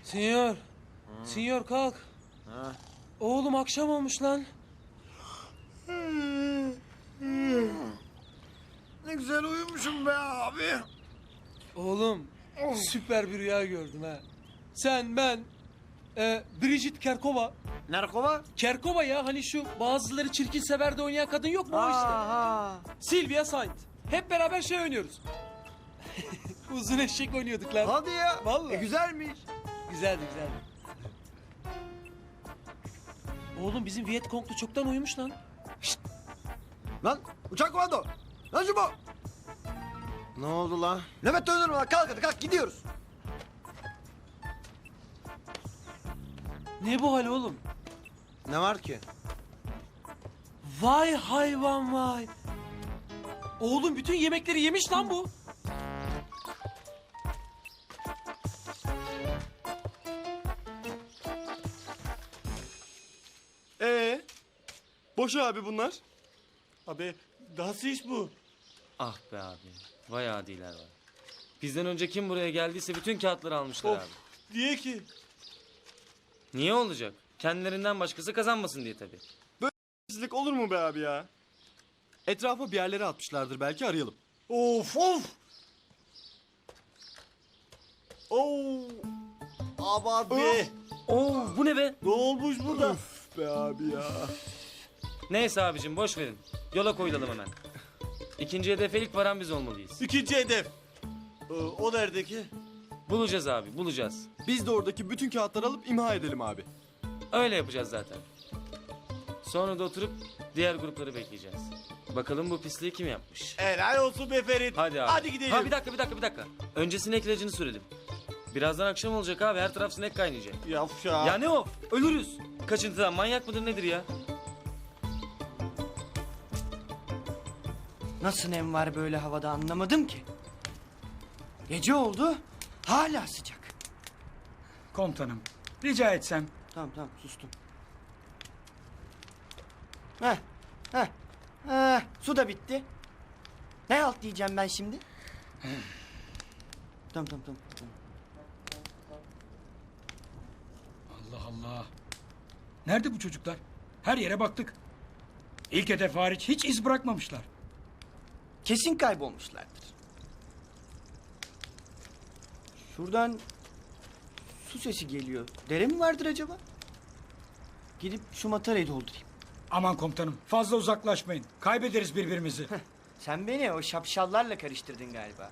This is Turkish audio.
Sinyor. Sinyor kalk. Ha. Oğlum akşam olmuş lan. Ne güzel uyumuşum be abi. Oğlum süper bir rüya gördüm ha. Sen, ben, Bridget Kerkova. Narkova? Kerkova ya hani şu bazıları çirkin sever de oynayan kadın yok mu o işte. Ha. Sylvia Saint. Hep beraber şey oynuyoruz. Uzun eşek oynuyorduk lan. Hadi ya. Vallahi. Güzelmiş. Güzeldi güzeldi. Oğlum bizim Vietcong'lu çoktan uyumuş lan. Lan uçak komando. Lan şu bu. Ne oldu lan? Nöbet döndürme lan. Kalk hadi kalk gidiyoruz. Ne bu hal oğlum? Ne var ki? Vay hayvan vay. Oğlum bütün yemekleri yemiş lan bu. Boş abi bunlar. Abi nasıl iş bu? Ah be abi. Vay adiler var. Bizden önce kim buraya geldiyse bütün kağıtları almışlar Of. abi. Niye ki? Niye olacak? Kendilerinden başkası kazanmasın diye tabii. Sizlik olur mu be abi ya? Etrafa bir yerlere atmışlardır, belki arayalım. Of of. Oo. Abi. Oo bu ne be? Ne olmuş burada? Be abi ya. Neyse abicim boş verin. Yola koyulalım hemen. İkinci hedefe ilk varan biz olmalıyız. İkinci hedef. O nerede ki? Bulacağız abi bulacağız. Biz de oradaki bütün kağıtları alıp imha edelim abi. Öyle yapacağız zaten. Sonra da oturup diğer grupları bekleyeceğiz. Bakalım bu pisliği kim yapmış? Helal olsun be Ferit. Hadi abi. Hadi gidelim. Ha bir dakika. Önce sinek ilacını sürelim. Birazdan akşam olacak abi her taraf sinek kaynayacak. Yavşa. Ya ne o? Ölürüz. Kaçıntıdan manyak mıdır nedir ya? Nasıl nem var böyle havada anlamadım ki. Gece oldu, hala sıcak. Komutanım, rica etsem. Tamam sustum. Heh, su da bitti. Ne alt diyeceğim ben şimdi? Tamam. Allah Allah. Nerede bu çocuklar? Her yere baktık. İlk hedef hariç hiç iz bırakmamışlar. Kesin kaybolmuşlardır. Şuradan su sesi geliyor. Dere mi vardır acaba? Gidip şu matarayı doldurayım. Aman komutanım, fazla uzaklaşmayın. Kaybederiz birbirimizi. Sen beni o şapşallarla karıştırdın galiba.